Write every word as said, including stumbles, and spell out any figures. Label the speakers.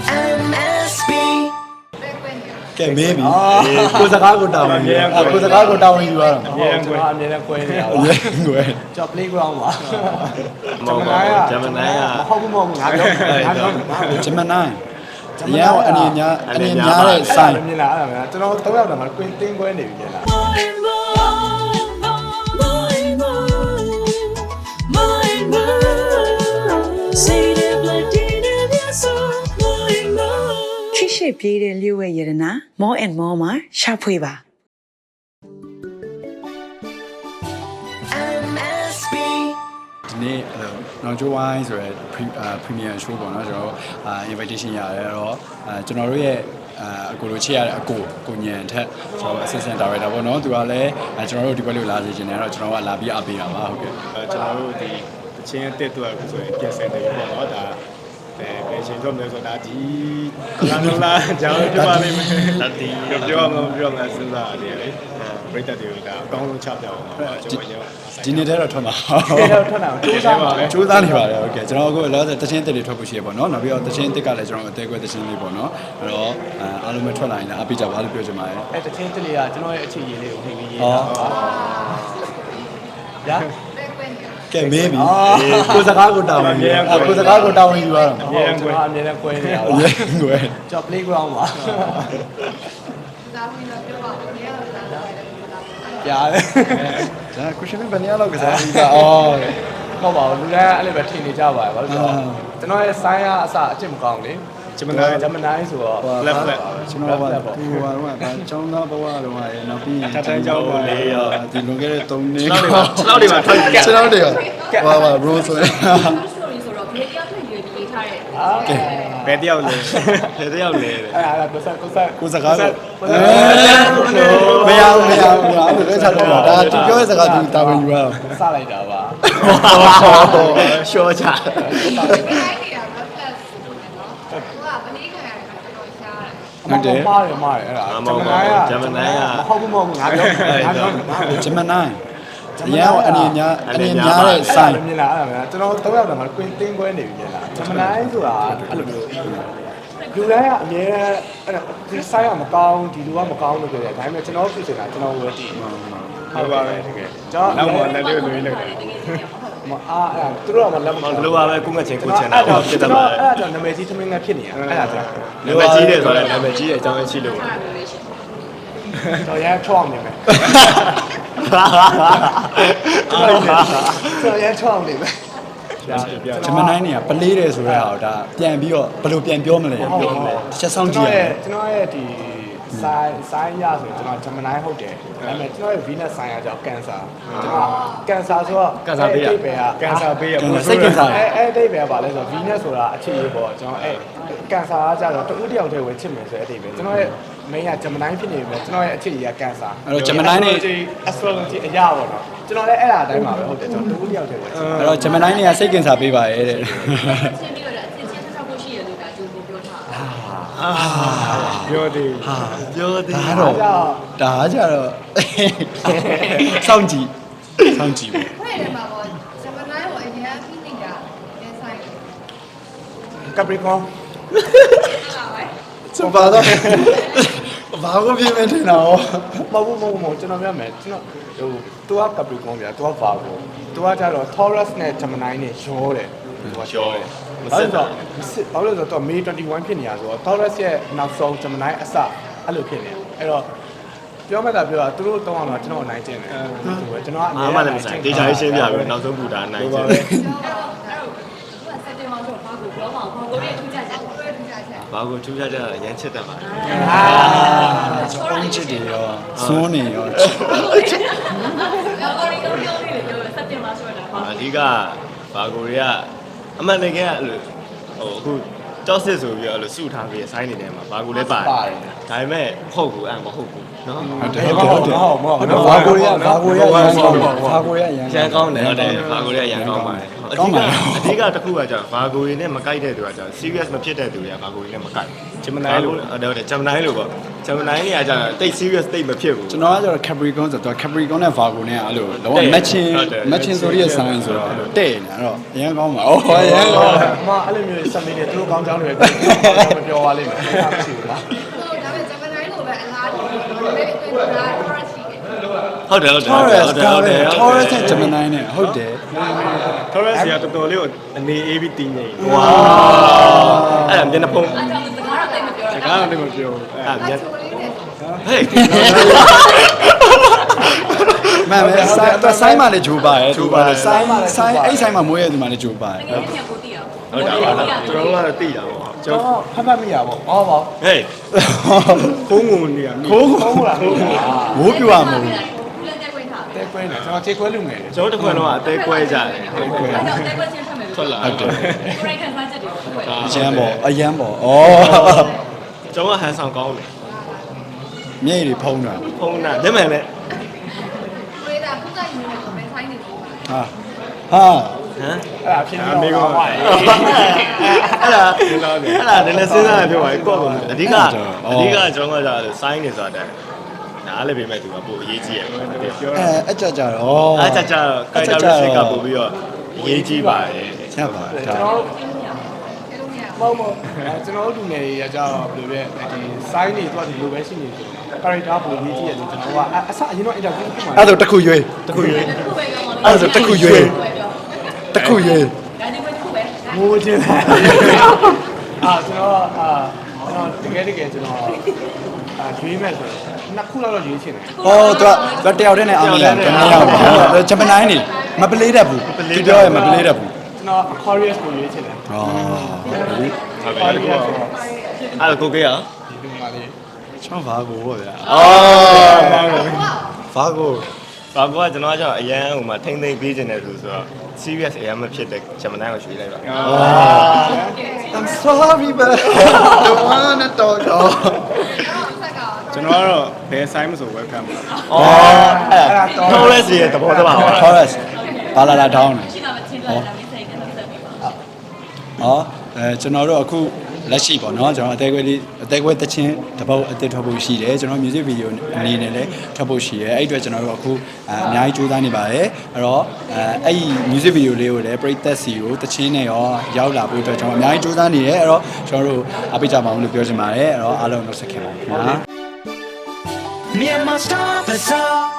Speaker 1: M S B
Speaker 2: ကဲမေးပြီကိုစကားကိုတာဝန်ယူကိုစကားကိုတာဝန်ယူရအောင်
Speaker 3: အမြဲတမ်းကွဲအမြဲတမ်းကွဲနေတာပါ
Speaker 2: ရဲကွယ်
Speaker 3: ကျော် playground ပါ
Speaker 4: မဟုတ်ပါဘူးဂျမန်နိုင်က
Speaker 3: မဟုတ်ဘူးမဟုတ်ဘူးငါပြောငါပြော
Speaker 2: ဂျမနိုင်းရန်အနေများအနေများတဲ့ဆိုင်
Speaker 3: မြင်လာအဲ့ဒါကျွန်တော်သုံးယောက်တည်းမှာကွင်းတင်းကွဲနေပြီကျလား
Speaker 5: ခိရှိပြေးတဲ့လျှို့ဝဲရတနာ more and more မှာရှာဖွေပါ
Speaker 1: M S B
Speaker 2: ဒီနေ့နော်ဂျိုဝိုင်းဆိုရယ် premium show ပေါ့နော်ကျွန်တော်အာ invitation ရတယ်အဲ့တော့အာကျွန်တော်တို့ရဲ့အာအကိုလိုချစ်ရတဲ့အကိုကိုညံထက်ကျွန်တော် assistant director ပေါ့နော်သူကလည်းကျွန်တော်တို့ဒီဘက်လေးလာစီခြင်းတယ်အဲ့တော့ကျွန်တော်ကလာပြီးအားပေးတာပါဟုတ်ကဲ့
Speaker 6: ကျွန်တော်တို့ဒီအချင်းအတက်တော့ဆိုရင်ပြင်ဆင်နေပြီပေါ့နော်ဒါအဲဘယ်ချိန်တော့မလဲဆိုတာဒီလာလာကြောင်းပြပါလိမ့်မယ်တတိပြောမှပြောမှစဉ်းစားရတယ်လေပရိသတ်တွေကဒါအကောင်းဆုံးချပြအောင်ပါကျွန်တော်ရော
Speaker 2: ဒီနေ့တည်းတော့ထွက်မှာ
Speaker 3: ဒီတော့ထွက်တာကိုစူးစမ်းပါပဲ
Speaker 2: စူးစမ်းနေပါတယ်ဟုတ်ကဲ့ကျွန်တော်အခုလောဆယ်တချင်းတက်တွေထွက်ဖို့ရှိရပေါ့နော်နောက်ပြီးတော့တချင်းတက်ကလည်းကျွန်တော်အသေးကွဲတချင်းလေးပေါ့နော်အဲ့တော့အားလုံးပဲထွက်လာရင်လည်းအားပေးကြပါလို့ပြောချင်ပါတယ်
Speaker 3: အဲ့တချင်းတလေးကကျွန်တော်ရဲ့အခြေရည်လေးကိုထိပြီးရေးတာပါညာ
Speaker 2: ကဲမေးပြီကိုစကားကိုတာဝန်ယူကိုစကားကိုတာဝန်ယူရအောင်
Speaker 3: အမြဲတမ်းကွဲအမြဲတမ်းကွဲနေတာပါ
Speaker 2: ရဲကွယ်
Speaker 3: ကျော် playground ပါပြားတယ်
Speaker 2: ဒါကိုရှင်ဘယ်နေရာလောက်ကစားပြီးပါအော်
Speaker 3: ဟုတ်ပါဘူးလူတိုင်းအဲ့လိုပဲထင်နေကြပါတယ်ဘာလို့လဲဆိုတော့ကျွန်တော်ရဲ့ sign ကအစအကျင့်မကောင်းလေဂျမန်ဂျမန်နိုင်ဆိုတော့
Speaker 6: left left
Speaker 2: ကျွန်တော်ကသူဟိုကတော့ဗာចောင်းသားဘဝတော့ရယ်နောက်ပြီး
Speaker 6: တတန်းကျောင်းပါလေရော
Speaker 2: ဒီလွန်ခဲ့တဲ့၃နှစ်
Speaker 4: 6တွေမှာထွက်ကြ
Speaker 2: ကျွန်တော်တွေကဟောပါ bro ဆိုရင်
Speaker 7: story ဆိုတော့ဘယ်တရားထွက်ရွေးပြီးထားတဲ့
Speaker 6: ဘယ်တယောက်လဲ
Speaker 4: ဘယ်တယောက်လဲ
Speaker 3: အဲ့ဒါကိုဆက်ကိုဆက်
Speaker 2: ကိုစကားကိုမရဘူးမရဘူးမရဘူးလက်ချတော့ဒါသူပြောတဲ့စကားသူတာဝန်ယူရအောင်
Speaker 3: စလိုက်တာပါ
Speaker 4: ရှော့ချ
Speaker 3: ဟုတ်တယ်မှားတယ်မှားတယ်အဲ့ဒါဂျမန်နိုင်ကမဟုတ်ဘူးမဟုတ်ဘူးငါပြောငါပြော
Speaker 2: ဂျမနိုင်းရန်အနေများအနေများတဲ့ဆိုင်
Speaker 3: မြင်လာအဲ့ဒါကျွန်တော်သုံးယောက်တည်းမှာကွင်းတင်းကွဲနေပြီကျလားဂျမန်နိုင်ဆိုတာအဲ့လိုမျိုးလူတိုင်းကအမြဲအဲ့ဒီဆိုင်ကမကောင်းဒီလူကမကောင်းလို့ပြောတယ်ဒါပေမဲ့ကျွန်တော်ဖြစ်နေတာကျွန်တော်ဝယ်တည်ဟုတ်ပါပဲတကယ်ကျွန်တော်
Speaker 6: နောက်မှလည်းလေးလေးလိုက်တယ်
Speaker 3: မအားအဲ့သူတို့ကလက်မ
Speaker 4: လိုပါပဲကိုငတ်ချင်းကိုချင်တာပေါ့ဖြစ်တတ်ပါ
Speaker 3: အဲ့ဒါကြောင့်နာမည်ကြီးသမင်းငါဖြစ်နေတာအဲ့ဒါကြောင့်
Speaker 4: နာမည်ကြီးတယ်ဆိုတော့နာမည်ကြီးတဲ့အကြောင်းရှိလို့ပါ
Speaker 3: တော့ရမ်းချောင်းနေမယ်တော့ရမ်းချောင်းနေမယ်
Speaker 2: ဂျမနိုင်းနေကပလေးတယ်ဆိုတဲ့ဟာဒါပြန်ပြီးတော့ဘယ်လိုပြန်ပြောမလဲပြောမလဲတစ်ချက်စောင့်ကြည့်ရအောင်
Speaker 3: ကျွန်တော်ရဲ့ဒီဆိုင်ဆိုင်ရဆိုကျွန်တော်ဂျမနိုင်းဟုတ်တယ်ဒါပေမဲ့ကျွန်တော်ရဲ့ Venus ဆိုင်ရကြောင့် cancer ကျွန်တော် cancer ဆိုတော့
Speaker 6: cancer ပေးရ cancer ပေးရ
Speaker 2: စိတ်ကင်ဆာ
Speaker 3: အဲအဲ့အိဗယ်ကဘာလဲဆိုတော့ Venus ဆိုတာအခြေရေးပေါ့ကျွန်တော်အဲ့ cancer ကကြတော့တူတယောက်တည်းဝင်ချစ်မယ်ဆိုတဲ့အတိပဲကျွန်တော်ရဲ့ main ကဂျမနိုင်းဖြစ်နေပြီကျွန်တော်ရဲ့အခြေရေးက cancer
Speaker 2: အဲ့တော့ဂျမနိုင်းနေ
Speaker 3: astrology အရာပေါ့နော်ကျွန်တော်လည်းအဲ့ဒါအတိုင်းပါပဲဟုတ်တယ်ကျွန်တော်တူတယောက်တည်းဝင်ချစ်
Speaker 2: အဲ့တော့ဂျမနိုင်းနေကစိတ်ကင်ဆာပေးပါရဲ့တဲ့
Speaker 7: ချင်းပြီးတော့အချင်းချင်းဆက်ဖို့ရှိရလို့ဒါကြိုးပြောထားတာ
Speaker 6: ပြောသေး
Speaker 2: ဟာပြောသေးဒါတော့ဒါကြတော့စောင့်ကြည့်စောင့်ကြည့်
Speaker 7: ဖွဲ့တယ်မှာပေါ့ဂျမနိုင်းကိုအရင်ဖိနေတာလဲဆိုင်တယ်
Speaker 3: Capricorn
Speaker 2: စပါတော့ဘာကိုပြင်းနေတယ်နော်
Speaker 3: မဟုတ်ဘူးမဟုတ်ဘူးကျွန်တော်ပြောမယ်ကျွန်တော်ဟို तू က Capricorn ဗျာ तू က Virgo तू ကကြတော့ Taurus နဲ့ Gemini နဲ့ရောတယ် तू ကရောတယ်မစစ်တော့မစစ်ဘာလို့လဲဆိုတော့ May twenty-one ဖြစ်နေတာဆိုတော့ Taurus ရဲ့နောက်ဆုံး Gemini အစအဲ့လိုဖြစ်နေအဲ့တော့ပြောမှသာပြောတာသူတို့တောင်းအောင်တော့ကျွန်တော်အနိုင်ကျင့်တယ်ကျွန်တော်ကအ
Speaker 4: အားမလည်းမဆိုင်ဒေတာရှင်းပြပြီးနောက်ဆုံးဘူတာအနိုင်ကျင်
Speaker 7: အဲ့တော့အဲ့တော့သူကစက်တင်ဘာဆိုဘာကိုပြောမှာဘာကိုရဲ့ထူးခြားချက်ကိုရဲ့ထူးခြားချက်
Speaker 4: ဘာကိုထူးခြားကြတာရမ်းချစ်တတ်ပါတယ်
Speaker 2: အာစပွန်ချစ်တယ်ရောစွန်းနေရော
Speaker 7: ဘာကိုပြောပြောနေလေပြောစက်တင်ဘာဆိုတာဘာ
Speaker 4: အဓိကဘာကိုတွေကအမှန်တကယ်ကအဲ့လိုဟိုအခုကြောက်စစ်ဆိုပြီးတော့အဲ့လိုစုထားပြီးဆိုင်းနေတယ်မှာဘာကိုလည်းပါတယ်ဒါပေမဲ့ဟုတ်ကူအဲ့မဟုတ်ဘူးနော်
Speaker 2: ဟုတ်တယ်ဟုတ်တယ်ဟုတ်တယ်ဘာကိုရဘာကိုရရန်ကောင်းဘာကိုရရန်
Speaker 4: ရန်ကောင်းတယ်ဟုတ်တယ်ဘာကိုလည်းရန်ကောင်းပါတယ်ဟုတ်အဓိကအဓိကတစ်ခုကကြာဘာကိုရင်းနဲ့မကိုက်တဲ့သူကကြာ serious မဖြစ်တဲ့သူတွေကဘာကိုရင်းနဲ့မကိုက် Gemini လို့ဟုတ်တယ် Gemini လို့ပေါ့ Gemini နေရာကြာတိတ် serious တိတ်မဖြစ်ဘူး
Speaker 2: ကျွန်တော်ကကျတော့ Capricorn ဆိုတော့ Capricorn နဲ့ Virgo နဲ့အဲ့လိုလောက matching matching ဆိုရတဲ့ sign ဆိုတော့တဲ့နေတော့အရင်ကောင်းပါဩအရင်ကောင်း
Speaker 3: အမအဲ့လိုမျိုးစက်မင်းတွေသူတို့ကောင်းကြောင်းတွေပဲမပြောပါလိမ့်မယ်အဲ့ဒါမရှိဘူးလား
Speaker 7: ဟုတ်ဒါပေမဲ့ဂျပန်တိုင်းလိုပဲအလားတူပဲပဲပဲဒါ current ရှိတယ်
Speaker 4: ဟုတ်တယ်ဟုတ်တယ်
Speaker 2: Taurus
Speaker 4: ဟုတ်တယ်ဟုတ်တယ်
Speaker 2: Taurus နဲ့ Gemini နဲ့ဟုတ်တယ်
Speaker 6: Taurus ကတော်တော်လေးကိုအနေအေးပြီးတင်းနေတယ်
Speaker 4: ဝါအဲ့ဒါမျက်နှာဖုံး
Speaker 7: အဲ့ဒါစကားတော့တိတ်မပြော
Speaker 6: စ
Speaker 7: တာ
Speaker 6: ကားတော့မပြောဘူး
Speaker 4: အဲ့မျက်
Speaker 7: ချိုလေးနဲ့
Speaker 4: ဟေး
Speaker 2: မှန်ပဲဆိုင်တော့ဆိုင်မှလည်းဂျိုးပါရဲ့ဂျိုးပါလေဆိုင်ဆိုင်အဲ့ဆိုင်မှာမွေးရတဲ့သူမှလည်းဂျိုးပါရဲ့
Speaker 7: ငယ်ငယ်ကိုတည်အောင်
Speaker 4: ဟုတ်တာဟုတ်တာကျွန်တော်ကတော့သိတာပေါ့
Speaker 3: ကျွန်တော်ဖတ်ဖတ်မိရပါဘောဟောပါ
Speaker 4: ဟေး
Speaker 6: ခိုးငုံနေရမိ
Speaker 2: ခိုး
Speaker 3: ဟုတ်လားဟုတ်လား
Speaker 2: ဝိုးပြရမလို့
Speaker 7: ဘူးလက်တက်ခွင့်ထား
Speaker 3: တဲကွဲနေကျွန်တော်ခြေခွဲလူငယ်တယ်
Speaker 4: ကျွန်တော်တစ်ခွန်းတော့အသေးကွဲကြတယ်
Speaker 7: အဲ့တော့တက်ခွင့်ချင်းဖတ်မယ်
Speaker 4: ထွက်လာ
Speaker 2: ဟုတ်တယ်
Speaker 7: ကိုရိုက်ခံစားချက်တွေခွဲ
Speaker 2: အရန်ပေါ့အရန်ပေါ့ဩ
Speaker 4: ကျွန်တော်ဟန်ဆောင်ကောင်းတယ်
Speaker 2: မျက်ရည်တွေဖုံးတာ
Speaker 4: ဖုန်းနာလက်မှန်နဲ့
Speaker 7: ဝေးတာခုကယူနေတော့ပဲဆိုင်နေတယ်
Speaker 2: ဟာဟာ
Speaker 4: ဟမ်
Speaker 3: အဲ့ဒါဖြစ်နေတော့ပါ
Speaker 4: အဲ့ဒါအဲ့ဒါနည်းနည်းစဉ်းစားရပြောပါကော့ကုန်အဓိကအဓိကကျွန်တော်ကကြာဆိုင်းနေဆိုတာနားလည်းပြင်မဲ့သူကပို့အရေးကြီးရယ်ပြော
Speaker 2: အဲအကြကြတော့
Speaker 4: အားကြကြတော့ characteristic ကပို့ပြီးတော့အရေးကြီးပါတယ်
Speaker 2: ရပါ
Speaker 3: ကျွန်
Speaker 2: ဒါ
Speaker 3: တော်တို့
Speaker 7: အဲ့လိုမျိုး
Speaker 3: မဟုတ်မဟုတ်အဲကျွန်တော်တို့လူငယ်တွေကကြတော့ဘယ်လိုလဲဒီ sign တွေသူကဒီလိုပဲရှိနေတယ် character ပုံကြီးကြီးရတယ်ကျွန်တော်ကအစအရင်တော့ interview ဖြစ်မှာ
Speaker 2: အဲ့ဒါတစ်ခုရွေး
Speaker 4: တခုရွေး
Speaker 7: တစ်ခုပဲပြောပါ
Speaker 2: အဲ့ဒါတစ်ခုရွေးတစ်ခုရွေး
Speaker 7: ဒါဒီမဲ့တစ်ခုပဲ
Speaker 3: မိုးချင်းအာကျွန်တော်အာကျွန်တော်တကယ်တကယ်ကျွန်တော်အာရွေးမဲ့ဆိုတော့နှစ်ခုလောက်တော့ရွေးချင်တယ်
Speaker 2: ဟောသူကတယောက်တည်းနဲ့အောင်မလားတမယောက်ပါဂျပန်တိုင်းနေမပလေးတတ်ဘူးသူပြောရမပလေးတတ်ဘူး
Speaker 3: ကျွန်တော် Aquarius ကိုရွေးချင်တယ်
Speaker 2: ဟော
Speaker 4: ဟုတ်ပြီ
Speaker 3: Aquarius ဆိုတော့
Speaker 4: အဲ့ကိုကေရ
Speaker 3: ဒီလိုမှလေး
Speaker 2: ချောင်းဘာကိုပေါ့ဗျာ
Speaker 4: အော်
Speaker 2: ဘာကို
Speaker 4: ဘာကွာကျွန်တော်ကကျွန်တော်အရန်ဟိုမှာထိမ့်သိမ့်ပေးခြင်းတယ်ဆိုတော့ serious အရန်မဖြစ်တဲ့ဂျမန်ကိုရွှေ့လိုက်ပါ
Speaker 2: I'm sorry but don't wanna talk
Speaker 6: ကျွန်တော်ကတော့ဘယ်ဆိုင်မဆို welcome ပါ
Speaker 4: အော်အဲ့ဒါ Taurus ရဲ့သဘောတဘာပါ
Speaker 2: Taurus ဘာလာလာတောင်းတယ်
Speaker 7: ရှင်းတာမချင်းလာတာမစိတ်နဲ့ဆက်ပြီးပါ
Speaker 2: ဟောအဲကျွန်တော်တို့အခုလက်ရှိပေါ့နော်ကျွန်တော်အသေးခွဲလေးအသေးခွဲတချင်းတစ်ပုတ်အသစ်ထွက်ဖို့ရှိတယ်ကျွန်တော် music video အနေနဲ့လည်းထွက်ဖို့ရှိတယ်အဲ့အတွက်ကျွန်တော်တို့အခုအများကြီးကြိုးစားနေပါတယ်အဲ့တော့အဲအဲ့ဒီ music video လေးကိုလည်းပရိသတ်စီကိုတချင်းနဲ့ရောရောက်လာဖို့အတွက်ကျွန်တော်အများကြီးကြိုးစားနေတယ်အဲ့တော့ကျွန်တော်တို့အားပေးကြပါအောင်လို့ပြောချင်ပါတယ်အဲ့တော့အားလုံးနှုတ်ဆက်ခင်ပါခင်ဗျာ
Speaker 1: Myanmar Star Bazaar